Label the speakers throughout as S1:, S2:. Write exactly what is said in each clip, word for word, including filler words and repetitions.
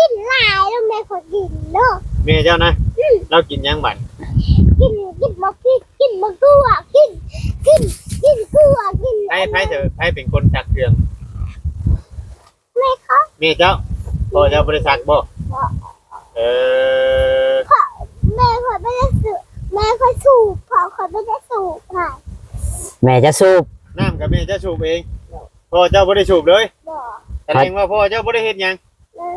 S1: กินหลายแล้วแม่ขอกินเนาะ
S2: แม่เจ้านะเรากินยังบัด
S1: กินกินมะพริกกินมะกรูดกินกินกินกรูดกิน
S2: ไพ่ไพ่เถอะไพ่เป็นคนชักเครื่อง
S1: แม่คะ
S2: แม่เจ้าพ่อเจ้าบริษัทบ่เออ
S1: แม่ขอไม่ได้สูบแม่ขอสูบพ่อขอไม่ได้สูบค่ะ
S3: แม่จะสูบ
S2: น้ำกับแม่จะสูบเองพ่อเจ้าบ่ได้สูบเลยแสดงว่าพ่อเจ้าบ่ได้เฮ็ดหยัง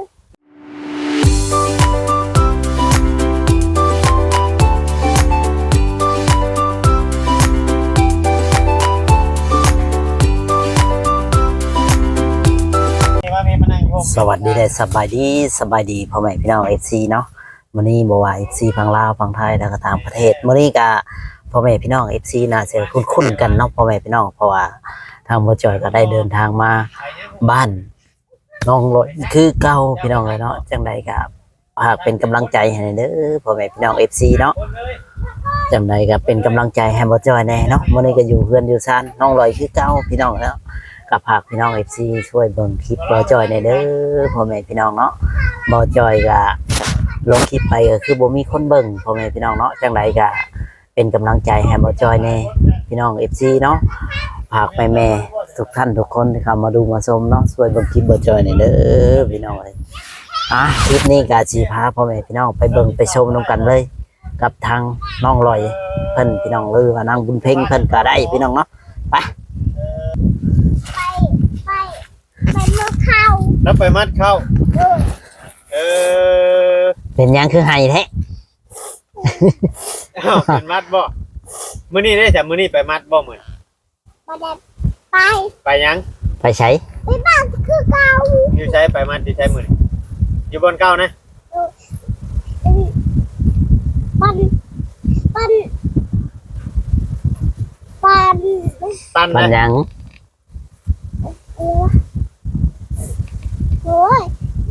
S3: สวัสดีเลยสบายดีสบายดีพ่อแม่พี่น้องเอฟซีเนาะมื้อนี้บ่ว่าเอฟซีฝั่งลาวฝั่งไทยแล้วก็ต่างประเทศมื้อนี้ก็พ่อแม่พี่น้องเอฟซีน่าจะคุ้นๆกันเนาะพ่อแม่พี่น้องเพราะว่าทางบ่จอยก็ได้เดินทางมาบ้านน้องรถคือเก่าพี่น้องเลยเนาะจังใดก็ฝากเป็นกำลังใจให้เด้อพ่อแม่พี่น้อง เอฟ ซี เนาะจังใดก็เป็นกำลังใจให้บ่จอยแน่เนาะมื้อนี้ก็อยู่เพื่อนอยู่ซ่านน้องลอยคือเก่าพี่น้องแล้วกับฝากพี่น้อง เอฟ ซี ช่วยเบิ่งคลิปบ่จอยในเด้อพ่อแม่พี่น้องเนาะบ่จอยก็ลงคลิปไปก็คือบ่มีคนเบิ่งพ่อแม่พี่น้องเนาะจังไดก็เป็นกำลังใจให้บ่จอยแน่พี่น้อง เอฟ ซี เนาะฝากแม่ๆทุกท่านทุกคนที่เข้ามาดูมาชมเนาะช่วยเบิ่งคลิปบ่จอยในเด้อพี่น้องเอ้ยอ่ะคลิปนี้ก็สิพาพ่อแม่พี่น้องไปเบิ่งไปชมนํกันเลยกับทางน้องลอยเพิ่นพี่น้องหรือว่านางบุญเพ็งเพิ่นก็ได้พี่น้องเนาะไป
S1: ไปไปไปมัดเข้า
S2: แล้วไปมัดเข้าเออ
S3: เป็นยังคือไห้แท้
S2: อ้าวเป็นมัดบ่มื้อนี้ได้จ้ะมื้อนี้ไปมัดบ่มื้อ
S1: บ่ได้ไป
S2: ไปยัง
S3: ไปใช้
S1: ไปบ้านคือเก่า
S2: อยู่ใช้ไปมัดที่ใช้มื้อนี้อยู่บนเก่านะ
S1: ปันปันปัน
S2: ปัน
S3: ปันยัง
S1: โอ้ย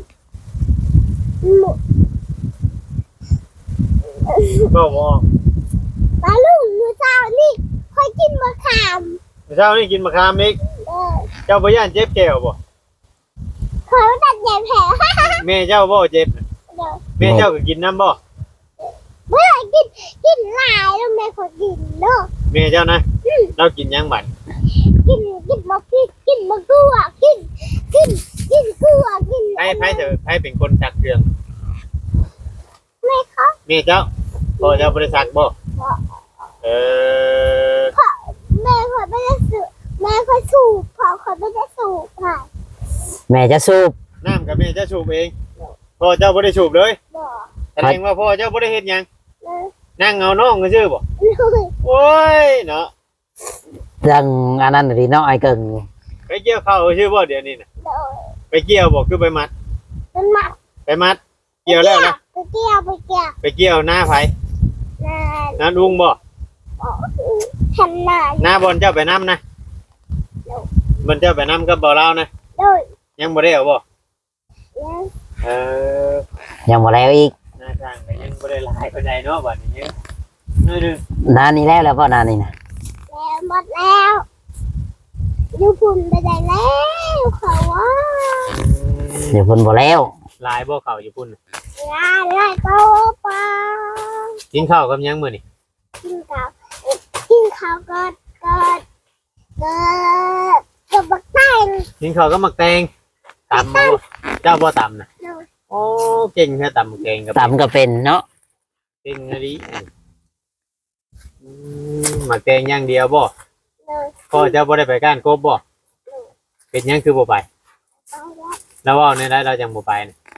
S2: ก็บ่
S1: ปลาลูกมื้อเช้านี่ค่อยกินมะขาม
S2: มื้อเช้านี่กินมะขามอีกเจ้าบ่ย่านเจ็บแก้วบ่
S1: ขอตัดใหญ่แผล
S2: แม่เจ้าบ่เจ็บแม่เจ้าก็กินน้ำบ่
S1: เมื่อกินกินหลายแล้วแม่ขอกินเนาะ
S2: แม่เจ้านะเรากินยังบัด
S1: กินกินมะพริกกินมะกรูดกินกินกินกรูดกิน
S2: ไผไผเถอะไผเป็นคนชักเครื่อง
S1: แม่คะ
S2: แม่เจ้าพ่อเจ้าบริษัทบ่เออ
S1: แม่ขอไม่ได้สูบแม่ขอสูบพ่อขอไม่ได้สูบค่ะ
S3: แม่จะสูบ
S2: น้ำกับแม่จะสูบเองพ่อเจ้าบ่ได้สูบเลยแสดงว่าพ่อเจ้าบ่ได้เฮ็ดหยังนั่งเอาน้องก็ซื่อบ่โอ้ยเนาะ
S3: จังอันนั้นดิเนาะไอ้เกิง
S2: ไปเกี่ยวข้าวซื่อบ่เดี๋ยวนี้น่ะไปเกี่ยวบ่คือไปมัด
S1: ไปมัด
S2: ไปมัดเกี่ยวแล้วนะ
S1: ไปเกี่ยวไปเกี่ยว
S2: ไปเกี่ยวหน้าไผหน้าลุงบ่
S1: ทำหน้า
S2: หน้าบนเจ้าไปนำนะบนเจ้าไปนำกับบ่เรานะยังบ่ได้เอาบ่เออ
S3: ยังบ่แล้วอีก
S2: หน้าจ้างก็ยังบ่ได้หลายปานใดเนาะบัดนี้นึง
S3: นานนี้แล้วแล้วบ่นานนี้นะ
S1: แล้วหมดแล้วอยู่พุ่นไปได้แล้วเขาว่า
S3: อยู่พุ่นบ่แล้ว
S2: หลายบ่เข้าอยู่พุ่น
S1: หลายหลายก็ปลา
S2: กินข้าวกับยังมื้อนี่
S1: กินข้าวกินข้าวก็ก็ก็ก็บักแตง
S2: กินข้าวกับมักแตงตำบ่เจ้าบ่ตำน่ะโอ้เก่งแท้ตำแกงกับ
S3: ตำก็เป็นเนาะ
S2: เก่งอะดิอืมมักแตงอย่างเดียวบ่พ่อเจ้าบ่ได้ไปก้านกบบ่เป็นหยังคือบ่ไปแล้วเว้าในได้เราจังบ่ไป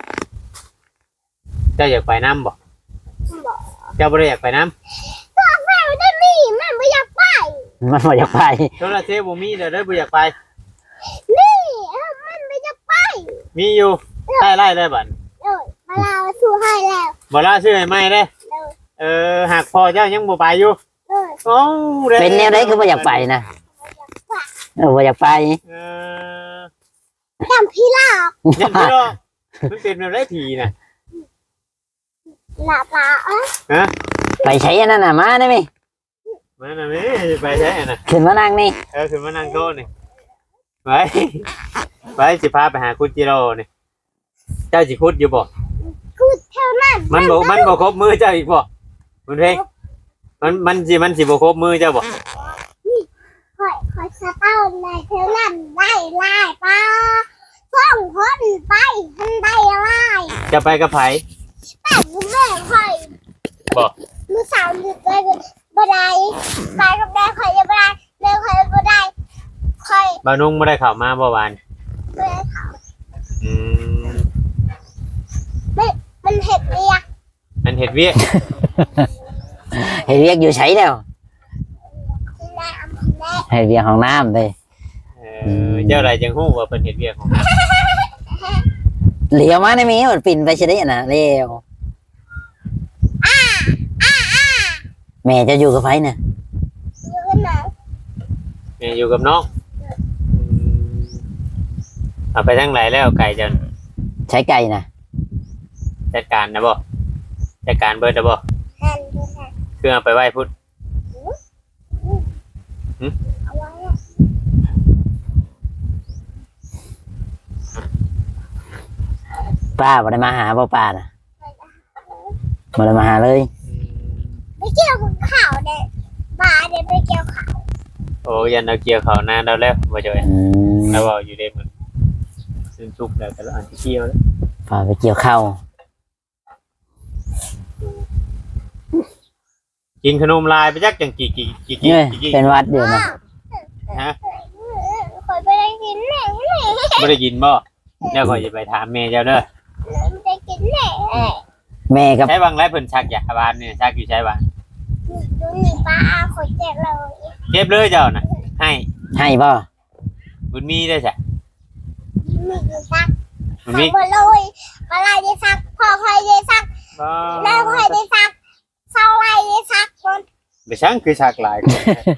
S2: เจ้าอยากไปน้ำบ่เจ้าบ่ได้อยากไปน้
S1: ำก็แม่ได้มีมันไม่อยากไป
S3: มันไม่อยากไป
S2: โทรศัพท์บ่มีเด้อได้บ่อยากไป
S1: นี่มันไม่อยากไป
S2: มีอยู่ใต้ไร่ได้บัด
S1: เออมาลาซื้อให้แล้ว
S2: บ่ลาซื้อให้ใหม่เด้เออหากพ่อเจ้ายังบ่ไปอยู่
S1: เออ
S2: โอ้
S3: เป็นแนวใดคือบ่อยากไปนะเออบ่อยากไป
S2: เออ
S1: จำพี่ลอก
S2: จำพี่ลอกมันเป็นแนวใดผีน่ะ
S1: หลับละ
S2: ฮะ
S3: ไปใช้อันนั้นน่ะมาได้มั้ย
S2: มาน่ะแม่ไปใช้อันน่ะ
S3: ขึ้นมานั่งนี่
S2: เออขึ้นมานั่งโต๊ะนี่ไปไปสิพาไปหาคุณจิโร่นี่เจ้าสิคุดอยู่บ่
S1: กูเท่านั้น
S2: มันบ่มันบ่ครบมือเจ้าอีกบ่มันเพลงมันมันสิมันสิบ่ครบมือเจ้าบ่
S1: คอยคอยสะเต้าในเท่านั้นได้ลายปลาส่องคนไปทันได้ลาย
S2: จะไปกับไผ
S1: แต่กูแม่คอย
S2: บ่
S1: มือสาวนึกเลยบ่ได้ไปกับแม่คอยยังบ่ได้แม่คอยบ่ได้คอย
S2: บ่าวนุ่งบ่ได้เข้ามาบ่หวาน
S1: แม่เขา
S2: อืม
S1: มันเห็ดเรียก
S2: มันเฮ็ดเวียก
S3: เฮ็ดเวียกอยู่ไสแล้ว
S1: ที่แม่อำเภอแม่
S3: เฮ็ดเวียกห้องน้ำเด้
S2: เออเจ้าใดจังฮู้ว่าเพิ่นเฮ็ดเวียกของมัน
S3: เหลียวมาได้มีมันปิ่นไปสิได้น่ะเร็วแม่จะอยู่กับไผน่ะ
S1: อยู่กันไหน
S2: แม่อยู่กับน้องอืมเอาไปทางไหนแล้วไก่เจ้า
S3: ใช้ไก่น่ะ
S2: จัดการนะบ่จัดการเบิดนะบ่
S1: แทนดูแทน
S2: คือเอาไปไหว้พุทธ
S1: เอาไว้
S3: ป้าบ่ได้มาหาบ่ป้าน่ะบ่ได้มาหาเลย
S1: ไม่เกี่ยวกับข่าวเด็ปลาเด็ไม่เกี่ยวข่าว
S2: โอ้ยันเอาเกี่ยวเขานานแล้วแล้วบ่จ่อย
S3: อืม
S2: แล้วบ่อยู่ได้มื้อซึ่งทุกข์แล้วแต่ละอันที่เกี่ยวแล้ว
S3: ป้าไปเกี่ยวข้าว
S2: กินขนมลายไปจักจังกี่กี่กี่กี่
S3: เอ้ย
S2: กี่
S3: เป็นหวัดอยู่นะ
S2: ฮะ
S1: คอยไปได้กินแหน่
S2: บ่ได้ยินบ่แล้วก็จะไปถามแม่เจ้าเด้อ
S1: มันจะกินแหน่
S3: แม่กับ
S2: ใช้บางไรเพิ่นชักยาบานนี่ชักอยู่ใช้บาน
S1: ดูนี่ปลาขอแจกเรา
S2: เก็บเลยเจ้าน่ะให้
S3: ให้บ่
S2: บุญมีได้จ้ะ
S1: มีกี่ซัก
S2: บุญ
S1: ซั
S2: มี
S1: กมาเลยปลาไหลได้ซักพ่อคอยได้ซัก
S2: บ่
S1: แม่คอยได้ซักเศร้าไหลได้ซักคน
S2: ไปช่างคือชักหลายคน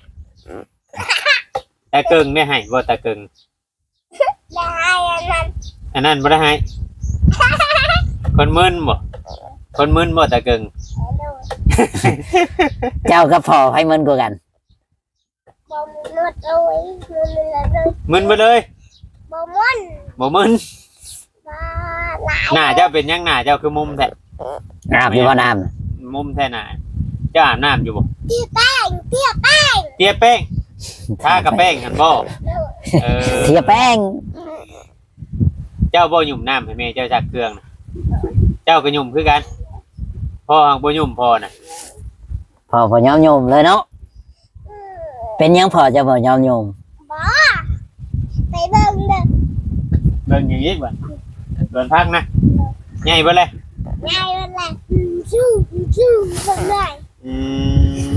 S2: แต่เกิงได้ให้บ่แต่เกิง
S1: ได้อันนั้น
S2: อันนั้นบ่ได้ให้คนมึนบ่คนมึนบ่แต่เกิง
S1: ดู
S3: เจ้ากับพ่อไผมันกว่ากัน
S1: บอมนวดเลยนวดเลย
S2: มึนไปเลย
S1: บอมุน
S2: บ่มึน
S1: ปลาไหล
S2: หน้าเจ้าเป็นหยังหน้าเจ้าคือมุมแท้
S3: อาบอยู่บ่น้ำน่ะ
S2: มุมแท้หน้าเจ้าอาบน้ำอยู่บ่
S1: เตี้ยแป้งเตี้ยแป้ง
S2: เตี้ยแป้งทากับแป้งกันบ่เออ
S3: เทียแป้ง
S2: เจ้าบ่หยุ่มน้ำให้แม่เจ้าจักเครื่องน่ะเจ้าก็หยุ่มคือกันพ่อหังบ่หยุ่มพ่อน่ะ
S3: พ่อบ่ยอมโยมเลยเนาะเป็นหยังพ่อจะบ่ยอมโยม
S1: บอไปเบิ่งเด้อ
S2: เบิ่งอย่างนี้บ่เบิ่งพักนะใหญ่เบ่เลย
S1: ง่ายมันแหละชู้ชู้เบิ่งหน่อย
S2: อืม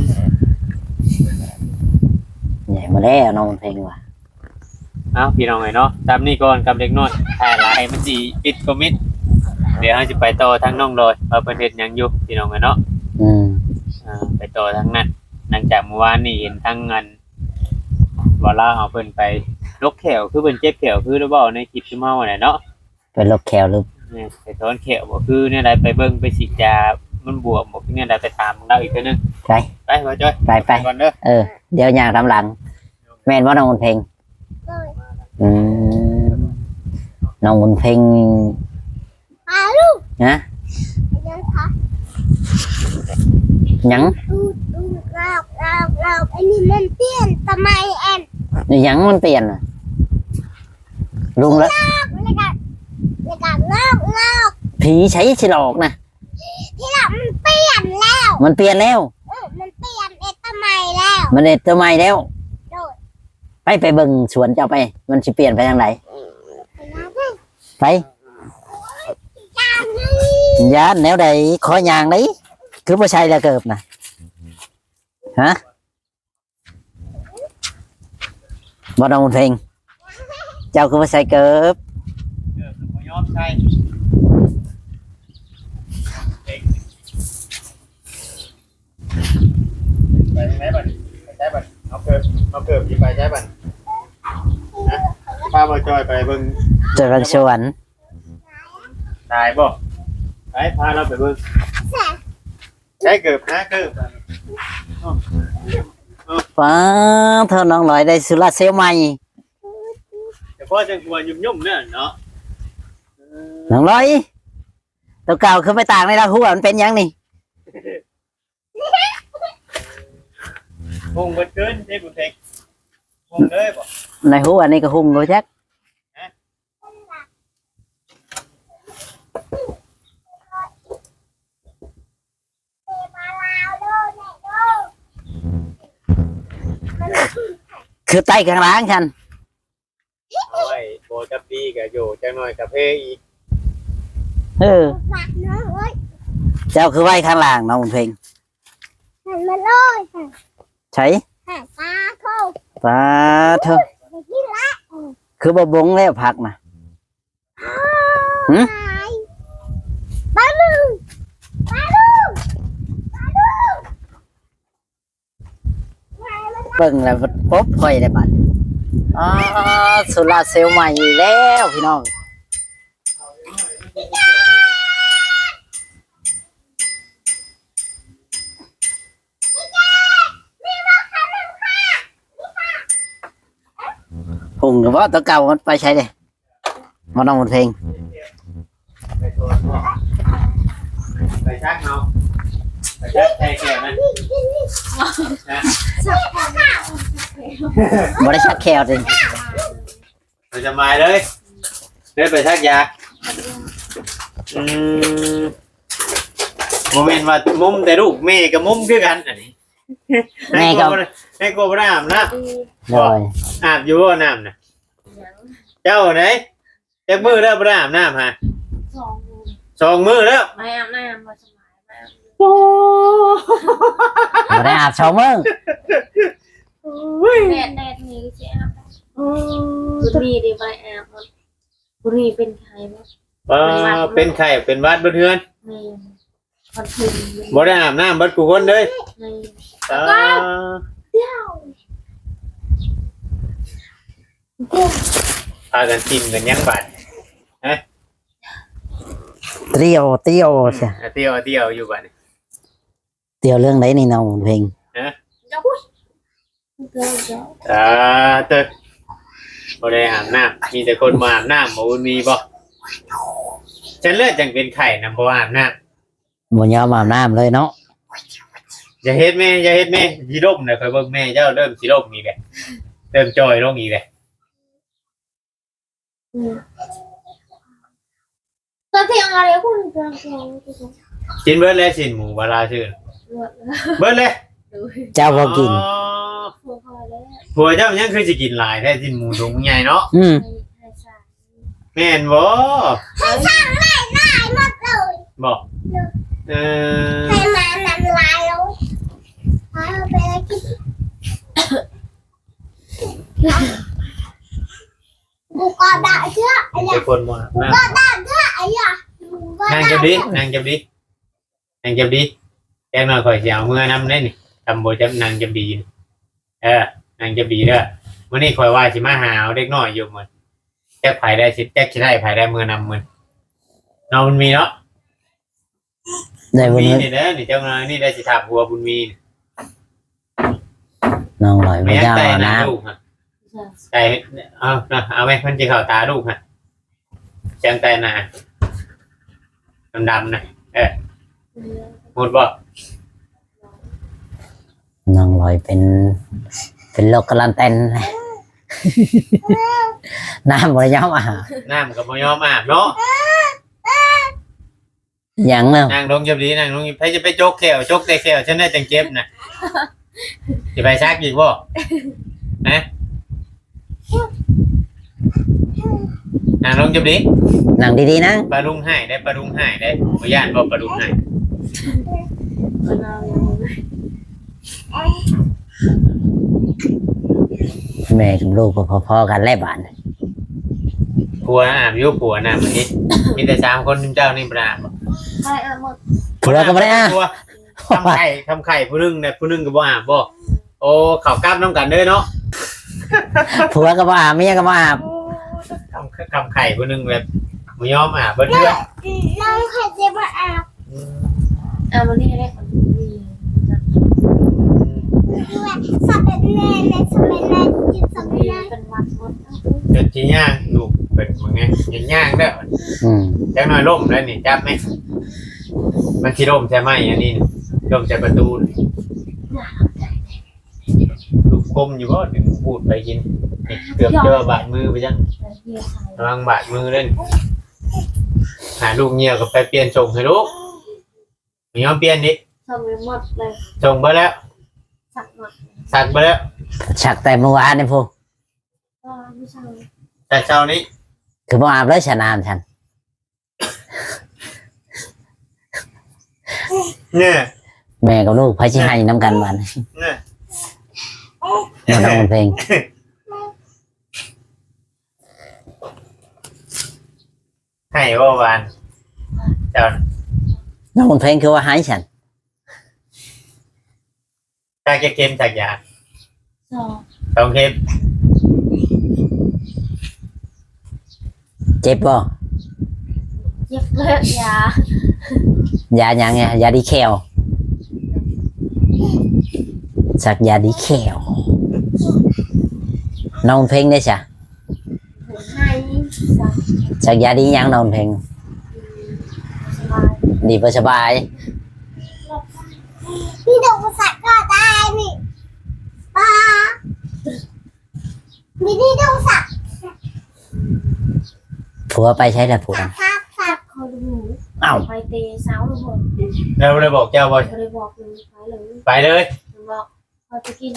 S3: ใหญ่มาแล้วน้องเพลงว่ะ
S2: เอ้าพี่น้องเอ้ยเนาะตามนี้ก่อนกับเด็กน้อยถ่ายหลายมันสิปิดคอมมิตเดี๋ยวเราจะไปต่อทางน้องโดยว่าเพิ่นเฮ็ดหยังอยู่พี่น้องเอ้ยเนาะ
S3: อืม
S2: อ่าไปต่อทางนั้นหลังจากเมื่อวานนี่เห็นทั้งเงินว่าลาเอาเพิ่นไปลกแขวคือเพิ่นเจ็บแขวคือหรือเปล่าในคลิปที่เมาน่ะเนาะ
S3: เป็นลกแขวหรือ
S2: เนี่ยไปถอนแขวบ่คือเนี่ยใดไปเบิ่งไปฉีดยามันบวมบ่คือเนี่ยใดไปถามเราอีกเทื่อนึง
S3: ไป
S2: ไปว่าจ้อย
S3: ไปไป
S2: ก่อนเด้อ
S3: เออ เดี๋ยวอย่างตามหลัง แม่นว่าน้องบุญเพลง
S1: เลย
S3: อืมน้องบุญเพลง
S1: ปลาลูก
S3: นะ
S1: ยังคะ
S3: หยัง
S1: ดูดูเราเราเราอันนี้มันเปลี่ยนทำไมแอน
S3: หยังมันเปลี่ยนน่ะลุงแล้ว
S1: แล้วก็แล้วก็งอกงอก
S3: ผีใช้ฉลอกนะ
S1: ที่หลังมันเปลี่ยนแล้ว
S3: มันเปลี่ยนแล้ว
S1: เออมันเปลี่ยนเอทำไมแล้ว
S3: มันเด็ดตัวใหม่แล้ว
S1: โดด
S3: ไปไปเบิ่งสวนเจ้าไป มันสิเปลี่ยนไปทางไหน
S1: ไปแล้วเด้อ
S3: ไป
S1: จานนี้
S3: ยานแนวใดขอยางนี้คือบ่ใช่แล้วเกิบนะฮะบ่น้องบุญเพลงเจ้าคือบ่ใช่เกิบ
S2: เด้อคือบ่ยอมใช่ไปทางไหนบัดไปใช้บัดเอาเกิบเอาเกิบสิไปใช้บัดนะป้าบ่จ้อยไปเบิ่ง
S3: เจอกันสวน
S2: ตายบ่ไปพาเราไปเบิ่ง
S1: แสบ
S2: ใช้เกิบนะเกิบ
S3: ฟ้าเธอน้องหน่อยได้สุราเซลลใหม่
S2: แต่พ่อจังกลัวยุ่มๆเนี่ยเนาะเออ
S3: น้องร้อยตัวเก่าคือไปต่างในละหัวมันเป็นหยังนี่
S2: คงเบิดเกินเด้บุญเพ็งคงเลยบ่
S3: ในหัวนี่ก็หุ่งโลจัก
S1: มาลาวโดนแม่โดน
S3: คือไต้ข้างล่างฉัน
S2: เอาไว้โบจับดีกับอยู่จังหน่อยกับเพอีก
S3: เออ
S1: ฝากน้องเอ้ย
S3: เจ้าคือไว้ข้างล่างน้องบุญเพ็ง
S1: หันมาเลยค่ะ
S3: ใช้
S1: หันตาโทษ
S3: ปลาเถอะ
S1: ไปที่ละ
S3: คือบ่บงแล้วผักนะ หึ
S1: ตายปลาลูกปลาลูกปลาลูก
S3: เบิ่งแล้วปุ๊บค่อยได้บัดอ่าโซลาร์เซลล์ใหม่แล้วพี่น้องหุ่งหรือว่าตัวเก่ามันไปใช้เลยมาน้องบุญเพ็ง
S2: ไปโทนบ่ไปชักเนาะไปชักแทแก่มันนะ
S3: บ่ได้ชักแควจริง
S2: เราจะมาเลยเดินไปชักยาอืมโมเมนต์ว่ามุมแต่ลูกแม่กับมุมคือกันอันนี้
S3: แม่ก็
S2: แม่ก็บ่ได้อาบน้
S3: โดย
S2: ำอาบอยู่บ่น้ำน่ะเจ้าไหนจักมือแล้วบ่ได้อาบน้ำฮะ
S4: สอง
S2: สองมือแล้ว
S4: ไม่อาบน้ำมาสมัยไม่อาบ
S2: โอ้
S3: บ่ได้อาบชาวเมือง
S4: แดดแดดนี้ก็จะอาบบุรีดีไปอาบมันบุรีเป็นใครบ้าง
S2: เออเป็นไข้เป็นหวัดบ่เทือน
S4: ในวันคืน
S2: บ่ได้อาบน้ำเบิดกูคนเลย
S4: ใน
S2: เออ
S4: เที่ยว
S2: พากันกินกันยังบาด
S3: เตียวเตียวใช่
S2: อ่ะเตี้ยวเตี้ยวอยู่บาดนี่
S3: เตียวเรื่องไหนนี่น้องบุญเพ็ง
S4: เจ้าพุ้ยเจ้าเจ้า
S2: อ่าเตึกบ่ได้อาบน้ำมีแต่คนมาอาบน้ำบ่บุญมีบ่ฉันเลือดจังเป็นไข้นำบ่อาบน้ำ
S3: บ่ยอมอาบน้ำเลยเนาะ
S2: อย่าเฮ็ดแม่อย่าเฮ็ดแม่สิล่มน่ะค่อยเบิ่งแม่เจ้าเริ่มสิล่มอีกแล้วเริ่มจอยลงอีกแล้ว
S4: ตอนที่อะไรคุณเจ้าเจ้า
S2: กินเบิดแล้วสินหมูบาลาชื่อ
S4: หมดแล้ว
S2: เบิดเลย
S4: ดู
S3: เจ้าบ่กิน
S2: อ๋อ
S4: พวกเขาแล้ว
S2: ผัวเจ้ายังคือสิกินหลายแท้สินหมูถุงใหญ่เนาะ
S3: อืม
S4: ให้ให้สาร
S2: แม่นบ่
S1: ให้ช่างไล่ไล่หมดเลย
S2: บ่เออ
S1: ให้มานำลายแล้วเอาไปเลยกินกูก็ได้เชื่อไอ้
S2: เป็นคนมาอาบน้ำ
S1: ก็ได้เชื่อไอ้ยะ
S2: นางจับดินางจับดินางจับดิแจ้งหน่อยข่อยสิเอามือนำได้นี่ทำบ่จับนางจับดีนี่เออนางจับดีเด้อมื้อนี้ข่อยว่าสิมาหาเอาเด็กน้อยอยู่มื้อแจ็คไผได้สิแจ็คสิได้ไผได้มือนำมื้อน้องมันมีเนาะ
S3: ได้บุญ
S2: มี
S3: เพ็ง
S2: นี่เด้อนี่เจ้าน้อยนี่ได้สิถามหัวบุญมี
S3: น้องลอย
S2: ไม่
S3: ไม่
S2: ยั
S3: ยอม
S2: ใจ
S3: อาบ
S2: นะ
S3: น้
S2: ลูกฮะใจเอานะเอาไหมมันจะเข้าตาลูกฮะแจงใจหนาดำๆนะเออหมดบ่
S3: ำน้องลอยเป็น เป็นโรคกระลันเต็น น้ำบ่ได้ยอมอาบ
S2: น้ำกับมยอมอาบเนาะ
S3: หยังเนาะ
S2: นางลงจับดีนางลงใครจะไปโจกแขวโจกแต่แขวฉันได้จังเจ็บนะจะไปซักอีกบ่นะนางลงจับดี
S3: นั่งดีๆนะ
S2: ปลาลุงให้ได้ปลาลุงให้ได้บ่ย่านบ่ปลาลุงให้
S4: มันเอาอย่างนี้
S3: แม่กับลูกก็พอๆกันแล่บาน
S2: ผัวอาบอยู่ผัวน่ะมื้อนี้มีแต่สามคนเจ้านี่บ่อาบ
S4: ไม่อาบหมด
S3: ผัวก็บ่ได้อาบ
S2: ผัวทำไข่ทำไข่ผู้หนึงเนี่ยผู้หนึงก็บ่อาบบ่โอ้เข้ากล้ามน้ำกันเด้อเนาะ
S3: ผัวก็บ่อาบเมียก็บ่อาบ
S2: ทำทำไข่ผู้หนึงแบบบ่ยอมอาบเบิดเทื่อ
S1: น้องใครจะมาอาบ
S4: อาบวันนี้ได้คนดี
S1: ด้วยสเปนแน่ในสเปนแน่จิตสเปน
S4: ดี
S1: แน่
S4: เป็นวัดหมด
S2: จนสิย่างลูกเปิดมึงไงยังย่างเด้อ
S3: อืม
S2: จังหน่อยล่มแล้วนี่จับไหมมันสิล่มใช่ไหมอันนี้ล่มใช่ประตูลูกกลมอยู่บ่ถึงพูดไปกินเกือบเจอบาดมือไปจังระวังบาดมือเล่นหาลูกเงียก็ไปเปลี่ยนส่งให้ลูกมียอมเปลี่ยนดิ
S4: ส่งไปหมดเลย
S2: ส่งไปแล้ว
S4: สักหมด
S2: สักไปแล้ว
S3: ฉักแต่เมื่อวานนี่พวก
S4: ก็ไม่ใช่
S2: แต่เช้านี้
S3: คือบ่อาบเลยชะนามฉัน
S2: เนี่ย
S3: แม่กับลูกพาชิให้น้ำกันวัน
S2: เนี่ย
S3: มาน้องเพลง
S2: ให้ว่าวานเจ้า
S3: น้องเพลงคือว่าให้ฉัน
S2: ตาแกเค็มจากยา
S4: สอง
S2: ต้องเค็ม
S3: เจ็บบ่
S4: เจ็บเลือดยาย
S3: าหยังไงยาดีแคลสักยาดีแคลน้องเพลงได้จ้ะ
S4: ให้สัก
S3: สักยาดีหยังน้องเพลง
S4: สบาย
S3: ดีบ่สบาย
S1: พี่ดูสัตว์ก็ได้นี่ป้ามีที่ดูสัตว์
S3: ผัวไปใช้ละผัว
S1: สัตว์สัตว์สัตว์
S4: คอยดู
S3: อ้าว
S4: ไปเตะเสาทุกคน
S2: เราเลยบอกเจ้าว่า
S4: ก็เลยบอกเลยไปเลย
S2: ไปเลย
S4: บอกเขาจะกิน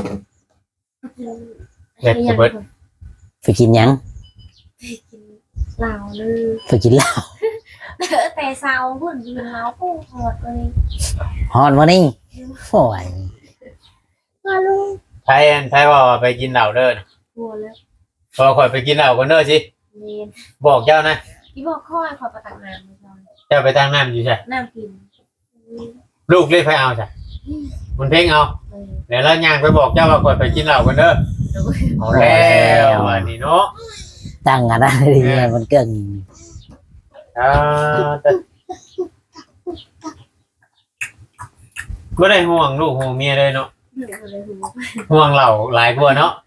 S2: เด็ดเบิด
S3: ไปกินหยัง
S4: กินเหล้าเลย
S3: ไปกินเหล้า
S4: แต่เสาเพื่อนยืนเหล้าปูหอดเลย
S3: ฮอนวันนี้โอ้ย
S4: ก็ลูก
S2: ไทยอันไทยว่าไปกินเหล้าเด้อก
S4: ลัวแล้ว
S2: พอข่อยไปกินเหล้ากันเด้อสิ
S4: เรียน
S2: บอกเจ้านะ
S4: ที่บอกค่อยขอประตักน้ำก่อน
S2: เจ้าไปตั้งน้ำอยู่ใช่
S4: น้ำกิน
S2: ลูกเรียกไปเอาใช่มันเพ่งเอา
S4: เออ
S2: เดี๋ยวแล้วย่างไปบอกเจ้าว่าข่อยไปกินเหล้ากันเด้อเอาแล้วอันนี้เนาะ
S3: ตั้งกันได้ดีเลยมันเกิน
S2: อ่าแต่ก็ได้ห่วงลูกห่วงเมียเลยเนาะ
S4: เดี๋ยวเลยหู
S2: ห่วงเหล่าหลายกว่าเนาะ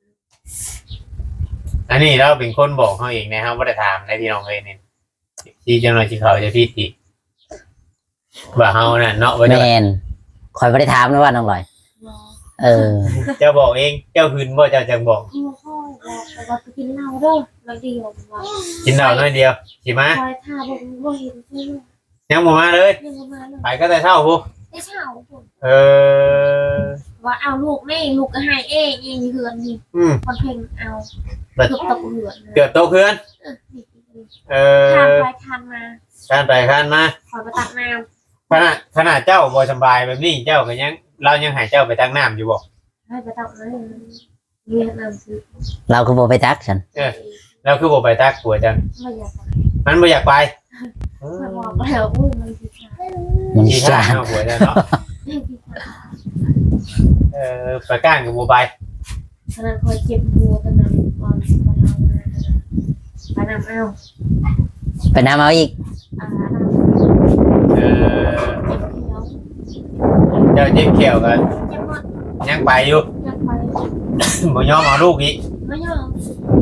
S2: อันนี้เราเป็นคนบอกเขาเองนะครับว่าได้ถามในพี่น้องเลยนี่ที่เจ้าหน้าที่เขาจะพี่ติว่าเฮาน่ะเนาะว่า
S3: แม
S2: จะ
S3: นคอยไปได้ถามนะว่าน้องลอย
S4: รอ
S3: เออ
S2: เจ้าบอกเองเจ้าคืนบ่เจ้าจังบอก
S4: ที่ว่าค่อยรอแต่ว่าไปกินเหล้าเด้อแล้วเดียวว่า
S2: กินเหล้าน้อยเดียวสิมา
S4: คอยท่าบอกว่าเห็นใช่ไหม
S2: ยังบ่มาเลย
S4: ยังมาเลย
S2: ไปก็แต่เท่าพุ
S4: ได้เช่าผม
S2: เออ
S4: ว่าเอาลูกแม่ลูกก็ให้เองเองเหือนนี่
S2: อืม
S4: คนเพ่งเอาเกือบตกเหือน
S2: เกือบโตเคือน
S4: เออนี่
S2: เอ
S4: ทาน
S2: อ
S4: ไปทานมา
S2: การไปการมา
S4: คอยไปตักน้
S2: ขนาดขนาดเจ้าบ่สบายแบบนี้เจ้าก็ยังเรายังให้เจ้าไปตั้งน้ำอยู่บ่
S4: ำให้ไปตักน้ำเรียนน้ำซื้อ
S3: เราก็บอกไปตักฉัน
S2: แล้วคือบ่ไปตักผัวจัง
S4: ไม่อยากไป
S2: มันบ่อยากไป
S4: คอยบอกแล้วอุ้ยมันสิค่ะ
S3: มัน
S2: ที่
S3: จ้า
S2: ท่าเอาผัวจังเนาะ เออไปก้างกับบัวไป
S4: ขนาดคอยเจ็บบัวตอนนั้นตอนตอนเราไปน้ำเอา
S3: ไปน้ำเอาอีก
S4: อ่า
S2: เออ
S4: เจ็บเขียว
S2: เจ้าเจ็บเขียวกัน
S4: เจ็บหมด
S2: ยังไปอยู่
S4: อยากไป
S2: บ่ยอมเอาลูกอีก
S4: ไม่ยอม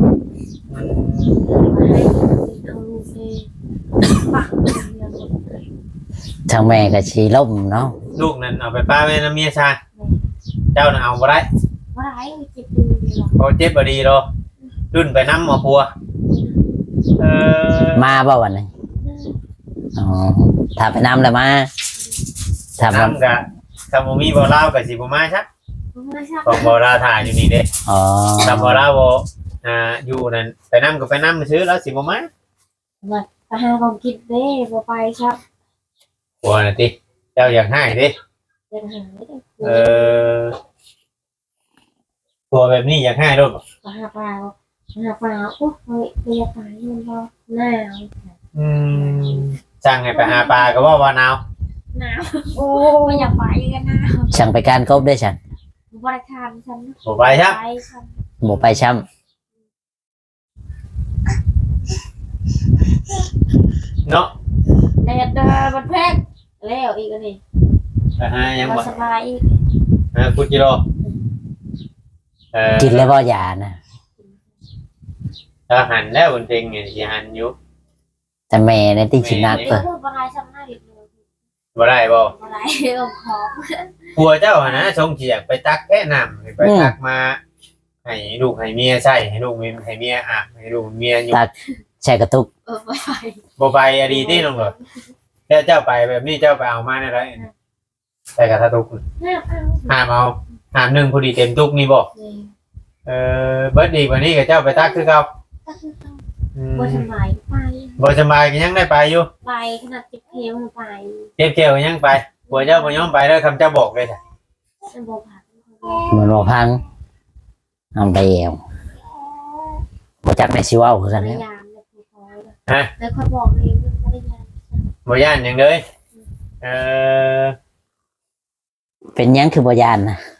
S4: ไปให้เอาลูกเองปะเรียนหมด
S3: ทางแม่ก็ชีล่มเนาะ
S2: ลูกนั้นเอาไปป้าแม่น้ำเมียชาเจ้าน่ะเอาบ่ได้
S4: ว่าไรเจ็บดูดีหรอ
S2: เพราะเจ็บบ่ดีหรอกรุ่นไปน้ำหมอปัวเออ
S3: มาบ่วันนี้อ๋อถ้าไปน้ำแล้วมาถ้ามัน
S2: น้ำกะถ้าบ่มีบ่เล่าวกับสิบ่มาชัก
S4: ไม่ใช่
S2: ของบ่ลาวถ่ายอยู่นี่เด้
S3: อ๋อ
S2: ถ้าบ่ลาวบ่อ่าอยู่นั่นไปน้ำก็ไปน้ำซื้อแล้วสิบ่มา
S4: ไปหาของกินเด้บ่ไปครับ
S2: ปัวน่ะติเจ้าอยากให้ดิ
S4: ยังหาไม่ได้
S2: เออปัวแบบนี้อยากให้รถ
S4: ไปหาปลาหาปลาโอ้ยเรียกตายมันบ่หนาว
S2: อืมสั่งให้ไปหาปลาก็ว่าว่าหนาว
S4: หนาวโอ้ไม่อยากไปกันหนาว
S3: ช่างไปการกบได้ฉัน
S4: บริการฉัน
S2: บ่ไปครับ
S4: ไปฉัน
S3: บ่ไปช้
S2: เนาะ
S4: แดดเดินบัดแพงแล้วอีกอันนี้
S2: ไปหายังบ่
S4: สบายอีก
S2: หาคุจิโร่เออ
S3: ำกินแล้วบ่ยานะ
S2: ถ้าหันแล้วบนเพลงเนี่ยสิหันอยู่
S3: แต่แม่ในที่ชินัก
S4: เดี๋
S3: เพิ่
S4: ยวน พูดบ่ได้ซ้ำหน้าอีกเลย
S2: บ่ได้บ่
S4: บ่ได้เอาของ
S2: ผัวเจ้าหั่นนะชงเฉียกไปตักแค่น้ำให้ไปตักมาให้ลูกให้เมียใช้ให้ลูกให้เมียอาบให้ลูกเมียอยู่
S3: แช่กระตุก
S4: เออบ่ไป
S2: บ่ไปอดีที่น้องเหรอแล้วเจ้าไปแบบนี้เจ้าไปเอามาได้ไรใส่กระทะตุก
S4: ห้าพัน
S2: ห้ามเอาห้ามหนึ่งพอดีเต็มตุกนี่บ่
S4: นี่
S2: เออเบิดดีกว่านี้กับเจ้าไปตักคือเก่า
S4: ก็คือเขา
S2: อืม
S4: บ่สบายไป
S2: บ่สบายก็ยังได้ไปอยู่
S4: ไปขนาดจิบเพลงไป
S2: เจ็บเจียวก็ยังไปผัวเจ้าบ่ยอมไปแล้วคำเจ้าบอกเลยจ้ะ
S4: มันบ่ผ่าน
S3: เหมือนว่าพังทำไปเองบ่จักในชีวาคือ
S4: ภ
S3: กั
S4: ร
S3: น
S4: ร
S3: เนี่ย
S4: ยาเนี่ยคือพอแล้วแล้วค่อยบอกเองภรรยา
S2: บ่ย่านหยังเลยเออ
S3: เป็นหยังคือบ่ยานนะ